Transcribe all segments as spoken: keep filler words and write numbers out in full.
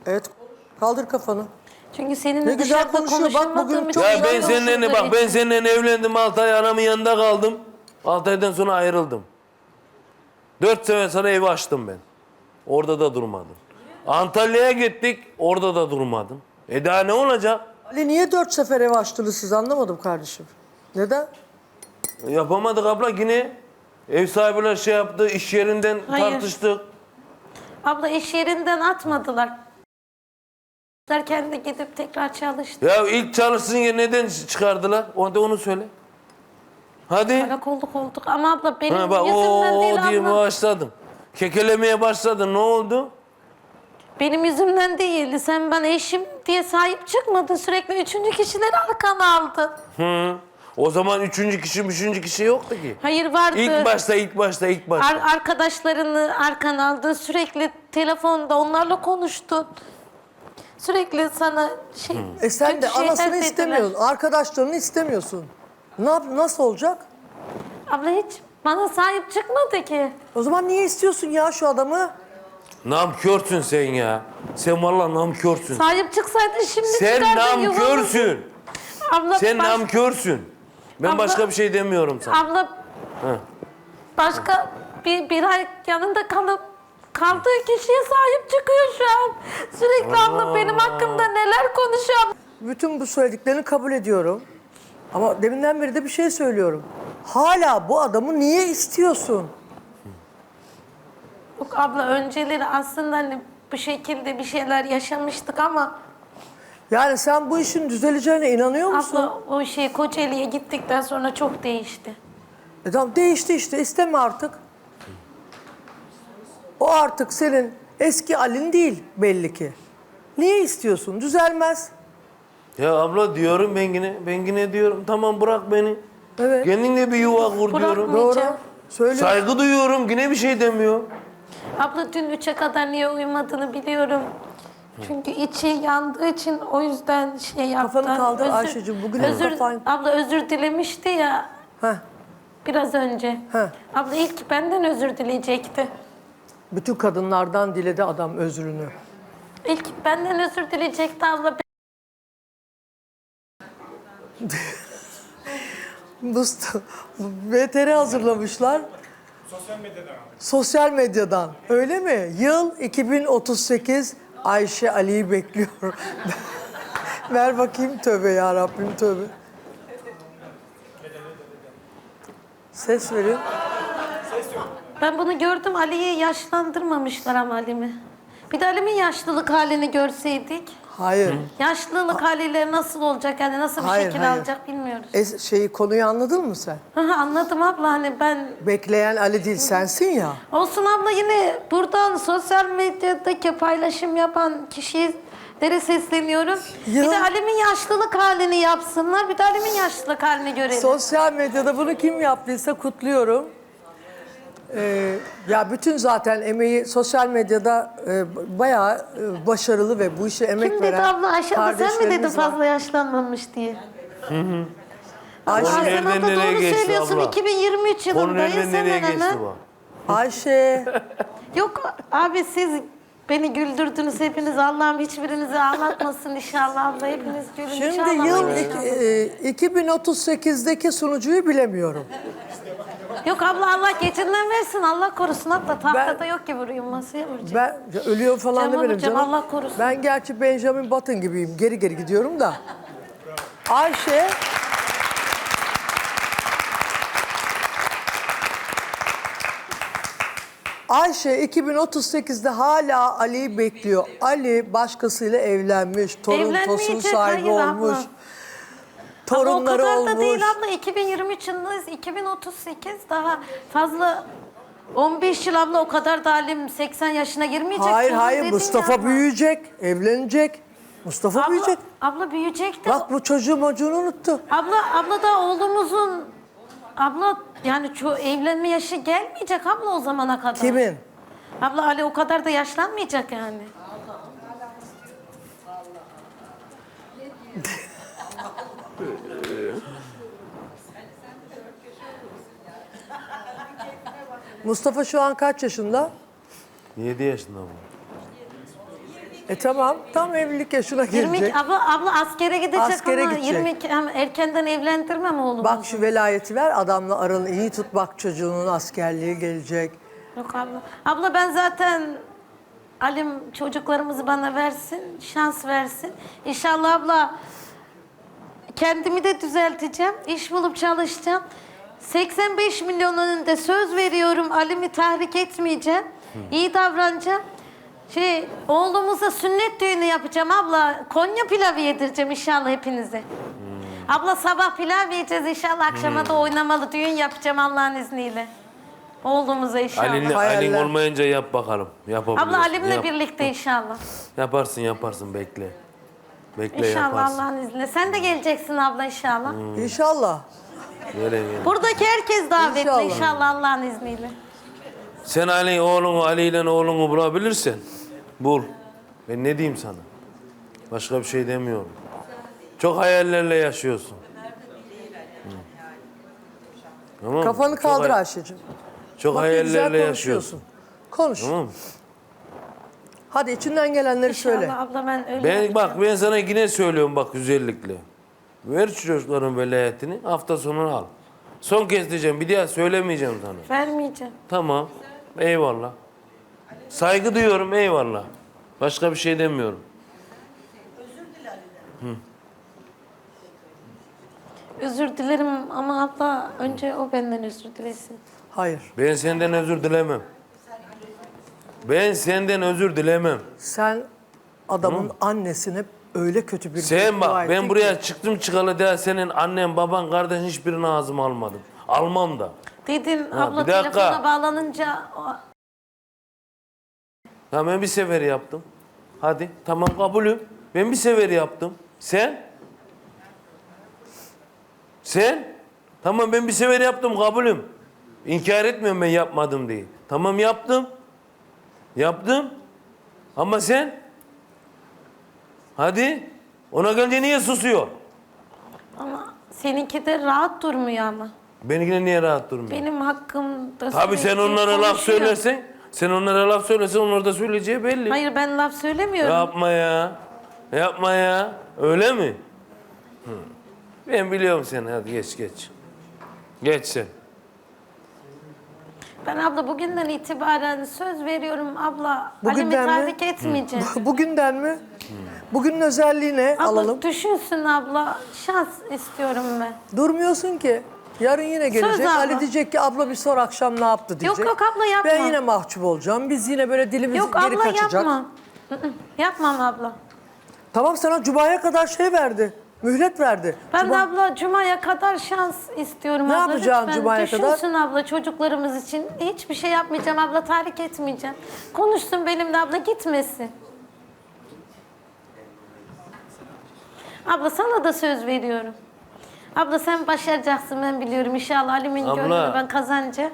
Evet. Kaldır kafanı. Çünkü seninle Ne güzel dışarıda konuşuyor. Bak, konuşamadığım bugün için... çok Ya güzel ben seninle bak ben seninle evlendim altı ay anamın yanında kaldım. altı aydan sonra ayrıldım. dört sene sonra evi açtım ben. Orada da durmadım. Antalya'ya gittik orada da durmadım. E daha ne olacak? Ali niye dört sefer ev açtınız siz, anlamadım kardeşim. Neden? Yapamadık abla yine. Ev sahibiyle şey yaptı, iş yerinden Hayır. tartıştık. Abla iş yerinden atmadılar. Derken de gidip tekrar çalıştı. Ya ilk çalışsın ya neden çıkardılar? O da onu söyle. Hadi. Alak olduk olduk ama abla benim Ha, bak, yüzümden o, değil o diye abla. başladın. Kekelemeye başladın. Ne oldu? Benim yüzümden değil. Sen bana eşim diye sahip çıkmadın. Sürekli üçüncü kişileri arkana aldın. Hı. O zaman üçüncü kişi, üçüncü kişi yoktu ki. Hayır vardı. İlk başta, ilk başta, ilk başta. Ar- arkadaşlarını arkana aldın. Sürekli telefonda onlarla konuştun. Sürekli sana şey... E sen kötü de şeyler anasını dediler. istemiyorsun. Arkadaşlarını istemiyorsun. Ne yap, nasıl olacak? Abla hiç bana sahip çıkmadı ki. O zaman niye istiyorsun ya şu adamı? Namkörsün sen ya. Sen vallahi namkörsün. Sahip çıksaydın şimdi Sen çıkardın yuvamızı. namkörsün. Abla, Sen baş- namkörsün. Ben Abla- başka bir şey demiyorum sana. Abla Hı. başka bir, bir ay yanında kalıp kaldığı kişiye sahip çıkıyor şu an. Sürekli abla benim hakkımda neler konuşuyor. Bütün bu söylediklerini kabul ediyorum. Ama deminden beri de bir şey söylüyorum. Hala bu adamı niye istiyorsun? Yok abla önceleri aslında hani bu şekilde bir şeyler yaşamıştık ama Yani sen bu işin düzeleceğine inanıyor musun? abla o şey Kocaeli'ye gittikten sonra çok değişti. E tamam, değişti işte, isteme artık. O artık senin eski Ali'n değil belli ki. Niye istiyorsun? Düzelmez. Ya abla diyorum ben yine, ben yine diyorum tamam bırak beni. Evet. Kendinle bir yuva kur diyorum. Doğru. Diyeceğim. Söyle. Saygı duyuyorum yine bir şey demiyor. Abla dün üçe kadar niye uyumadığını biliyorum. Çünkü içi yandığı için o yüzden şey yaptı. Kafanı kaldır Özür- Ayşe'cim, bugün hep özür, kafan- Abla özür dilemişti ya Heh. biraz önce. Heh. Abla ilk benden özür dileyecekti. Bütün kadınlardan diledi adam özrünü. İlk benden özür dileyecekti abla. Mustafa, V T R hazırlamışlar. Sosyal medyadan. Sosyal medyadan. Öyle mi? Yıl iki bin otuz sekiz, Ayşe Ali'yi bekliyor. Ver bakayım, tövbe ya Rabbim, tövbe. Ses verin. Ben bunu gördüm, Ali'yi yaşlandırmamışlar ama Ali'mi. Bir de Ali'min yaşlılık halini görseydik. Hayır. Yaşlılık haliyle nasıl olacak yani nasıl bir Hayır, şekil hayır. alacak bilmiyoruz. Es şeyi, konuyu anladın mı sen? Aha, anladım abla hani ben... Bekleyen Ali değil, sensin ya. Olsun abla yine buradan sosyal medyadaki paylaşım yapan kişilere sesleniyorum. Ya. Bir de Ali'min yaşlılık halini yapsınlar. Bir de Ali'min yaşlılık halini görelim. Sosyal medyada bunu kim yaptıysa kutluyorum. Ee, ya bütün zaten emeği sosyal medyada e, bayağı e, başarılı ve bu işe emek Kim dedi veren abla? Ayşe abla sen mi dedin kardeşlerimiz var. fazla yaşlanmamış diye? Ayşe, Konu Sen nereden abla nereye doğru geçti söylüyorsun. abla? iki bin yirmi üç Konu yılındayız nereden hemen nereye geçti hemen. bu? Ayşe, Yok abi siz beni güldürdünüz hepiniz. Allah'ım hiçbirinizi ağlatmasın inşallah abla. Hepiniz gülün şimdi inşallah. yıl inşallah. iki- e, iki bin otuz sekizdeki sunucuyu bilemiyorum. Yok abla Allah geçinden versin. Allah korusun abla. Tahtada Ben- yok ki vurayım masaya vuracağım. Ben ya, ölüyor falan Cem demedim hocam, canım. Allah korusun. Ben gerçi Benjamin Button gibiyim. Geri geri gidiyorum da. Ayşe, Ayşe iki bin otuz sekizde hala Ali'yi bekliyor. Ali başkasıyla evlenmiş, torun tosun Evlenmeyecek, sahibi hayır olmuş. abla. Torunları Ama o kadar olmuş. da değil abla. iki bin yirmi üç yılındayız. iki bin otuz sekiz daha fazla on beş yıl abla o kadar da halim seksen yaşına girmeyecek. Hayır canım hayır dedin Mustafa ya abla. büyüyecek, evlenecek. Mustafa Abla, büyüyecek. abla büyüyecek de. Bak bu çocuğu mocuğunu unuttu. Abla, abla da oğlumuzun abla yani çoğu evlenme yaşı gelmeyecek abla o zamana kadar. Kimin? Abla Ali o kadar da yaşlanmayacak yani. Mustafa şu an kaç yaşında? yedi yaşında bu. E tamam, tam evlilik yaşına yirmi gelecek. iki, abla, abla askere gidecek Askere ama gidecek. yirmi iki, hem erkenden evlendirmem oğlumu. Bak şu velayeti ver, adamla aranı iyi tut, bak çocuğunun askerliği gelecek. Yok abla. Abla ben zaten Alim çocuklarımızı bana versin, şans versin. İnşallah abla kendimi de düzelteceğim, iş bulup çalışacağım. seksen beş milyon önünde söz veriyorum, Alim'i tahrik etmeyeceğim, iyi davranacağım. Şey, oğlumuza sünnet düğünü yapacağım abla. Konya pilavı yedireceğim inşallah hepinize. Abla sabah pilav yiyeceğiz inşallah, akşama da oynamalı düğün yapacağım Allah'ın izniyle. Oğlumuza inşallah. Ali'nin Hayaller. Ali'nin olmayınca yap bakalım. Yapabilirsin. Abla Alim'le Yap. birlikte inşallah. Yaparsın yaparsın bekle. Bekle İnşallah yaparsın. Allah'ın izniyle. Sen de geleceksin abla inşallah. İnşallah. Gele, gele. Buradaki herkes davetli İnşallah. inşallah, Allah'ın izniyle. Sen Ali oğlunu Ali ile oğlunu bulabilirsen bul. Ben ne diyeyim sana? Başka bir şey demiyorum. Çok hayallerle yaşıyorsun. Hı. Tamam mı? Kafanı Çok kaldır hay- Ayşe'cim. Çok Bak ne güzel hayallerle konuşuyorsun. yaşıyorsun. Konuş. Tamam mı? Hadi içinden gelenleri söyle. İnşallah abla ben öyle Ben yapacağım. bak ben sana yine söylüyorum bak güzellikle. Ver şu çocukların velayetini hafta sonu al. Son kez diyeceğim bir daha söylemeyeceğim sana. Vermeyeceğim. Tamam. Eyvallah. Saygı duyuyorum eyvallah. Başka bir şey demiyorum. Özür dilerim ama abla önce o benden özür dilesin. Hayır. Ben senden özür dilemem. Ben senden özür dilemem. Sen adamın annesine öyle kötü bir Sen beddua bak ettin ben ki. buraya çıktım çıkalı daha senin annen baban kardeşin hiçbirini ağzıma almadım. Almam da. Dedin Ha, abla bir dakika. telefona bağlanınca o- Ya ben bir sefer yaptım. Hadi tamam kabulüm. Ben bir sefer yaptım. Sen? Sen? Tamam ben bir sefer yaptım kabulüm. İnkar etmiyorum ben yapmadım diye. Tamam yaptım. Yaptım. Ama sen? Hadi. Ona gelince niye susuyor? ama seninki de rahat durmuyor ama. Benimkine niye rahat durmuyor? Benim hakkımda Tabii sen sürekli onlara laf konuşuyor. söylersen, sen onlara laf söylersen onlar da söyleyeceği belli. Hayır ben laf söylemiyorum. Yapma ya. Yapma ya. Öyle mi? Hı. Ben biliyorum seni. Hadi geç geç. Geç sen. Ben abla bugünden itibaren söz veriyorum abla. Alim'i Bugünden mi? tahrik etmeyeceğim. Bugünden mi? Bugünün özelliği ne? Abla Alalım. düşünsün abla. Şans istiyorum ben. Durmuyorsun ki. Yarın yine gelecek. abla. Ali diyecek ki abla bir sor akşam ne yaptı diyecek. yok abla, yapma. Ben yine mahcup olacağım. Biz yine böyle dilimiz Yok geri abla kaçacak. yapma. Hı hı, Yapmam abla. Tamam sana Cuma'ya kadar şey verdi. Mühlet verdi. Ben Cuma- de abla Cuma'ya kadar şans istiyorum Ne abla. yapacaksın Lütfen Cuma'ya kadar? düşünsün abla çocuklarımız için. Hiçbir şey yapmayacağım abla, tahrik etmeyeceğim. Konuşsun benimle abla, gitmesin. Abla sana da söz veriyorum. Abla sen başaracaksın ben biliyorum inşallah. Ali'min Abla. gönlünü ben kazanacağım.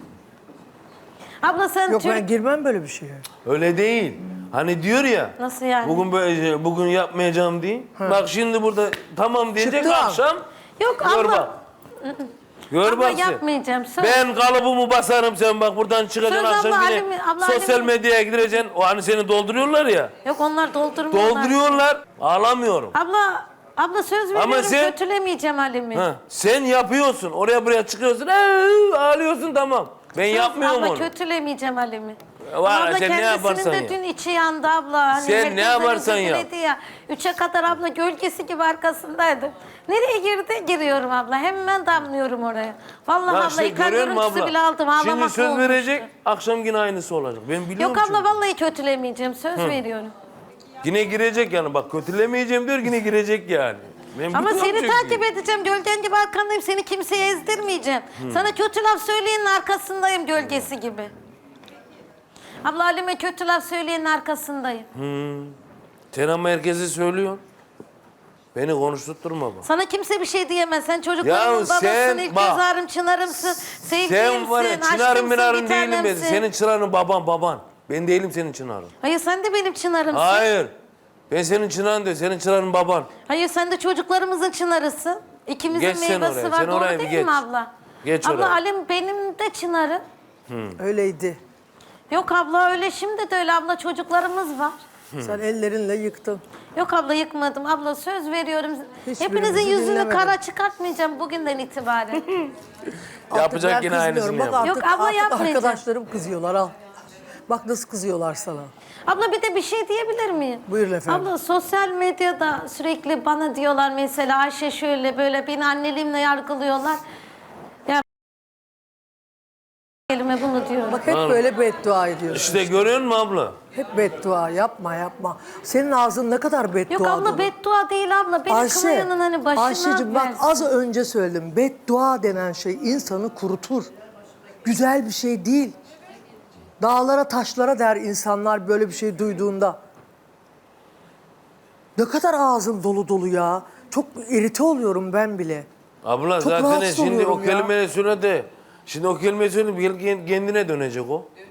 Abla sen Yok Türk... ben girmem böyle bir şeye. Öyle değil. Hani diyor ya. Nasıl yani? Bugün böyle bugün yapmayacağım diye. Bak şimdi burada tamam diyecek Çıktı an. akşam. Yok Gör abla. bak. Gör Abla bak sen. yapmayacağım. Söz. Ben kalıbımı basarım sen bak buradan çıkacaksın Söz akşam abla, yine Ali'mi- abla, sosyal Ali'mi- medyaya gireceksin. O hani seni dolduruyorlar ya. Yok onlar doldurmuyorlar. Dolduruyorlar. Ağlamıyorum. Abla, abla söz veriyorum sen- kötülemeyeceğim Ali'mi. Ha, sen yapıyorsun. Oraya buraya çıkıyorsun. "Ee, ağlıyorsun tamam. Ben Söz, yapmıyorum abla onu. kötülemeyeceğim Ali'mi. Var, abla sen ne yaparsan kendisinin de yap. dün içi yandı abla. Hani Sen herkesten ne yaparsan özür yap. diledi ya. Üçe kadar abla gölgesi gibi arkasındaydım. Nereye girdi? Giriyorum abla. Hemen damlıyorum oraya. Vallahi Ya abla işte ikaz görüyor musun görüntüsü abla? bile aldım. Ağlamakla Şimdi söz olmuştu. verecek, akşam yine aynısı olacak. Ben biliyorum Yok abla çünkü. vallahi kötülemeyeceğim. Söz veriyorum. Yine girecek yani bak kötülemeyeceğim diyor yine girecek yani. Ben Ama biliyorum seni çünkü. takip edeceğim. Gölgen gibi arkandayım. Seni kimseye ezdirmeyeceğim. Sana kötü laf söyleyenin arkasındayım gölgesi gibi. Abla Halime kötü laf söyleyenin arkasındayım. Sen ama herkese söylüyorsun. Beni konuşturtma bak. Sana kimse bir şey diyemez. Sen çocuklarımın Ya babasın, sen ilk bak. göz ağrım, çınarımsın, sevdiğimsin, Sen var ya çınarın aşkımsın, minarın bir değilim ben. tanemsin. Senin çınarın baban baban. Ben değilim senin çınarın. Hayır sen de benim çınarımsın. Hayır. Ben senin çınarın diyor. Senin çınarın baban. Hayır sen de çocuklarımızın çınarısın. İkimizin Geç sen meyvesi oraya, var. sen Doğru oraya bir değil geç. mi abla? Geç abla oraya. Alim benim de çınarım. Öyleydi. Yok abla öyle, şimdi de öyle abla, çocuklarımız var. Sen ellerinle yıktın. Yok abla yıkmadım. Abla söz veriyorum. Hiçbirimizi Hepinizin yüzünü dinlemedim. kara çıkartmayacağım bugünden itibaren. Yapacak Artık yine ben aynısını kızmıyorum. Bak yap. artık, Yok, abla artık yapmayacağım. arkadaşlarım kızıyorlar al. Bak nasıl kızıyorlar sana. Abla bir de bir şey diyebilir miyim? Buyurun efendim. Abla sosyal medyada sürekli bana diyorlar mesela Ayşe şöyle böyle beni anneliğimle yargılıyorlar. Ya elime bunu diyorum. Bak hep böyle beddua ediyorsun. İşte görüyor musun abla? Hep beddua yapma yapma. Senin ağzın ne kadar beddua Yok abla dolu. beddua değil abla. Beni Ayşe, kınayanın hani başına Ayşe'cim bak versin. az önce söyledim. Beddua denen şey insanı kurutur. Güzel bir şey değil. Dağlara taşlara der insanlar böyle bir şey duyduğunda. Ne kadar ağzın dolu dolu ya. Çok irite oluyorum ben bile. Abla Çok zaten rahatsız şimdi o oluyorum ya. kelimeyi söyle de. Şimdi o kelimeyi söyle kendine dönecek o.